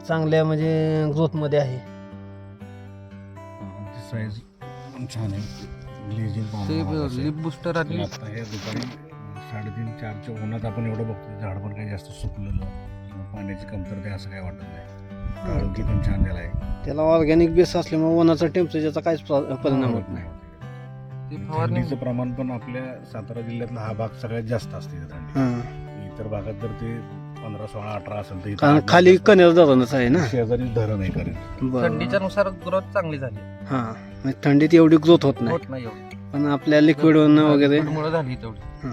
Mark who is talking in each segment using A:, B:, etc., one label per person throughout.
A: चांगल्या म्हणजे ग्रोथमध्ये आहे.
B: साईज छान आहे. ग्लेजिंग
C: लिप बुस्टर आणि
B: आता हे दुपारी 3:30-4च्या उन्हात आपण एवढं बघतो झाड पण काही जास्त सुकलेलं किंवा पाण्याची कमतरता असं काही वाटत नाही. काळोखी पण छान दिला आहे.
A: त्याला ऑर्गॅनिक बेस असल्यामुळे उन्हाचा टेम्परेचरचा काहीच परिणाम होत नाही.
C: ते फवारणी
B: थंडीचं प्रमाण पण आपल्या सातारा जिल्ह्यातला हा भाग सगळ्यात जास्त असते इथं थंडी.
A: हां.
B: इतर भागात जर ते 15, 16, 18 असेल तर इथं
A: कारण
B: 8,
A: खाली
B: 10
A: कनेर धरणच आहे ना.
B: शेजारी धरण आहे करेल.
C: थंडीच्या नुसार ग्रोथ चांगली झाली.
A: हां, म्हणजे थंडीत एवढी ग्रोथ होत नाही,
C: होत नाही एवढी,
A: पण आपल्या लिक्विड वगैरे
C: मुळे झाली तेवढी.
A: हां.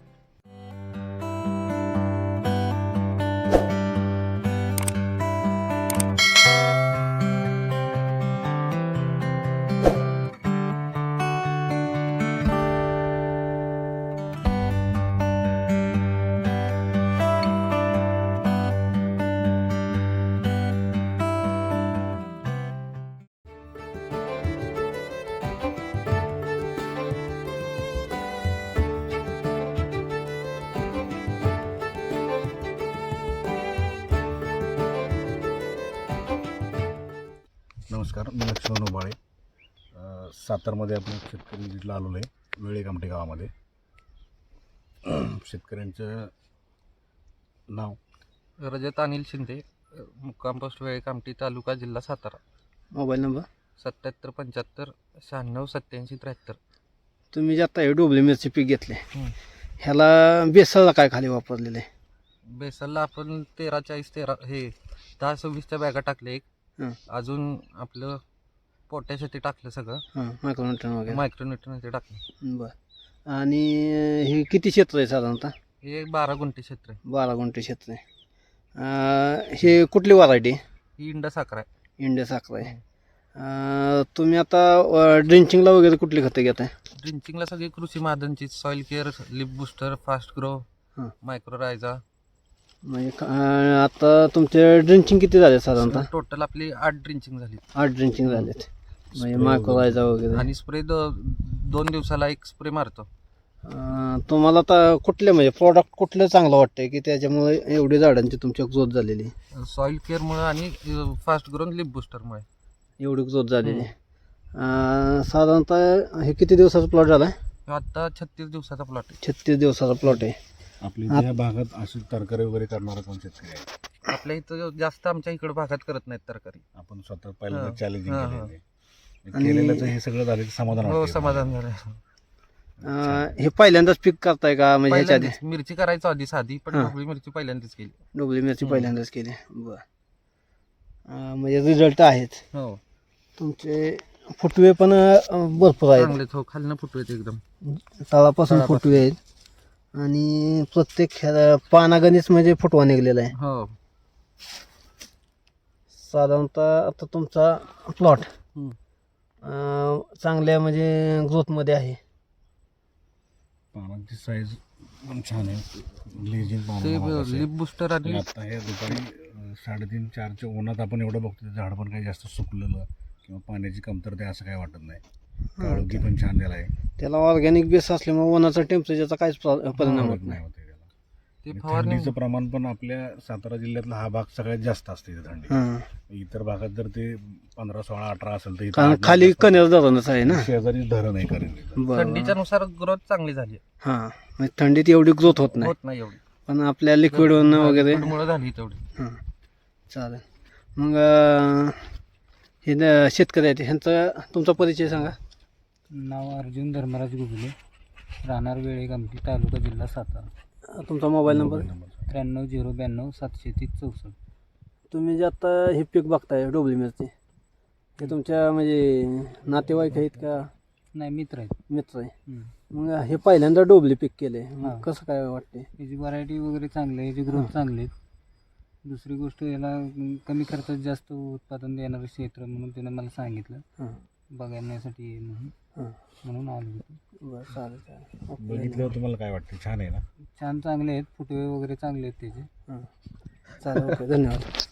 B: नमस्कार, मी लक्ष्मण उबाळे. सातारमध्ये आपण शेतकरी जिल्हा आलेलो आहे, वेळे कामठे गावामध्ये. शेतकऱ्यांचं नाव
C: रजत अनिल शिंदे, मुक्काम पोस्ट वेळे कामठी, तालुका जिल्हा सातारा.
A: Mobile number
C: 77 75 96 87 73.
A: तुम्ही जे आता हे डोबली मिरची पीक घेतले,
C: हं.
A: ह्याला बेसळला काय खाली वापरलेलं आहे?
C: बेसलला आपण 13 40 13 हे 10 26च्या बॅगा टाकले. एक
A: हं.
C: अजून आपलं पोटॅश ते टाकलं सगळं,
A: हां, मायक्रोन्यूट्रन वगैरे.
C: मायक्रोन्यूट्रन ते टाकलं.
A: बरं. आणि हे किती क्षेत्र आहे साधारणतः?
C: हे 12 गुंठे क्षेत्र आहे.
A: 12 गुंठे क्षेत्र आहे. हे कुठली व्हरायटी?
C: ही इंडा साखर आहे.
A: इंडिया साखर आहे. तुम्ही आता ड्रिंचिंगला वगैरे कुठली खतं घेताय?
C: ड्रिंचिंगला सगळी कृषी मादनची, soil care, leap booster, fast grow,
A: हं.
C: Micro rhiza.
A: म्हणजे आता तुमचे ड्रिंचिंग किती झाले साधारणतः?
C: टोटल आपली 8 ड्रिंचिंग झाली.
A: 8 ड्रिंचिंग झालेत. म्हणजे मायक्रोरायझा वगैरे.
C: आणि स्प्रे 2 दिवसाला एक स्प्रे मारतो.
A: तुम्हाला आता कुठले म्हणजे प्रॉडक्ट कुठलं चांगलं वाटतंय की त्याच्यामुळे एवढी झाडांची तुमच्या ग्रोथ झालेली,
C: सॉइल केअरमुळे आणि फास्ट ग्रो लिप बुस्टरमुळे
A: एवढी ग्रोथ झालेली? साधारणतः हे किती दिवसाचा प्लॉट झाला आहे?
C: आता 36 दिवसाचा प्लॉट आहे.
A: 36 दिवसाचा प्लॉट आहे.
B: आपल्या या भागात अशी तरकारी वगैरे करणारा कोण शेतकरी आहे?
C: आपल्या इथं जास्त आमच्या इकडे भागात करत नाहीत तरकारी.
B: आपण स्वतः पहिल्यांदा
C: हां.
B: चॅलेंजिंग
C: हां,
B: केलेलं आहे. केलेलं हे सगळं झालं की समाधान
C: हो,
B: वाटतं.
C: समाधान झालं.
A: हे पहिल्यांदाच पीक करताय का म्हणजे ह्याच्या आधी?
C: पहिल्यांदाच मिरची करायचो आधी साधी, पण
A: हां.
C: ढोबळी मिरची पहिल्यांदाच केली.
A: डोबली मिरची पहिल्यांदाच केली. बरं. म्हणजे रिझल्ट आहेत
C: हो,
A: तुमचे. फुटवे पण भरपूर आहेत,
C: चांगलेच. हो, खालनं फुटवेत एकदम.
A: तळापासून फुटवे आहेत आणि प्रत्येक पानागणीच म्हणजे फुटवा निघलेला आहे.
C: हो.
A: साधारणतः आता तुमचा प्लॉट
C: हं.
A: चांगल्या म्हणजे ग्रोथमध्ये आहे.
B: पानांची साईज पण छान आहे. ग्लेजिंग
C: ते
B: पान
C: लिप बुस्टर आणि
B: आता हे दुपारी 3:30-4च्या उन्हात आपण एवढं बघतो झाड पण काही जास्त सुकलेलं किंवा पाण्याची कमतरता असं काही वाटत नाही. काळोखी पण छान दिला आहे.
A: त्याला ऑर्गॅनिक बेस असल्यामुळे उन्हाचा टेम्परेचरचा काहीच परिणाम होत नाही.
B: होते त्याला.
C: ते
B: आणि
C: फवारणी
B: थंडीचं प्रमाण पण आपल्या सातारा जिल्ह्यातला हा भाग सगळ्यात जास्त असते इथं थंडी.
A: हां,
B: इतर भागात जर ते 15, 16, 18 असेल तर इथं
A: कारण
B: 8, 10
A: खाली
B: असेल.
A: कनेर धरणच आहे ना.
B: शेजारी धरण आहे करेल.
A: बरं.
C: थंडीच्या नुसार ग्रोथ चांगली झाली.
A: हां, म्हणजे थंडीत एवढी ग्रोथ होत नाही,
C: होत नाही एवढी,
A: पण आपल्या लिक्विड वगैरे.
C: मुळे झाली तेवढी.
A: हां, चालेल. मग हे शेतकरी आहेत ह्यांचा तुमचा परिचय सांगा.
D: नाव अर्जुन धर्मराज गुगले, राहणार वेळे कामठी, तालुका जिल्हा सातारा.
A: तुमचा मोबाईल नंबर?
D: 93 092 730 64.
A: तुम्ही जे आता हे पीक बघताय डोबली मिरची, हे तुमच्या म्हणजे नातेवाईक आहेत का
D: नाही, मित्र आहेत.
A: मित्र आहे?
D: हं.
A: मग हे पहिल्यांदा डोबली पीक केले,
D: हां.
A: कसं काय वाटते?
D: याची व्हरायटी वगैरे चांगली आहे, याची ग्रोथ चांगली आहे. दुसरी गोष्ट, याला कमी खर्चात जास्त उत्पादन देणारं क्षेत्र म्हणून त्यानं मला सांगितलं
A: हां,
D: बघण्यासाठी ये म्हणून.
A: हां.
D: म्हणून आलो.
A: बरं, चालेल चालेल. ओके.
B: बघितल्यावर तुम्हाला काय वाटतं? छान आहे ना?
D: छान, चांगले आहेत, फुटवे वगैरे चांगले आहेत त्याचे.
A: हां, चालेल. ओके, धन्यवाद.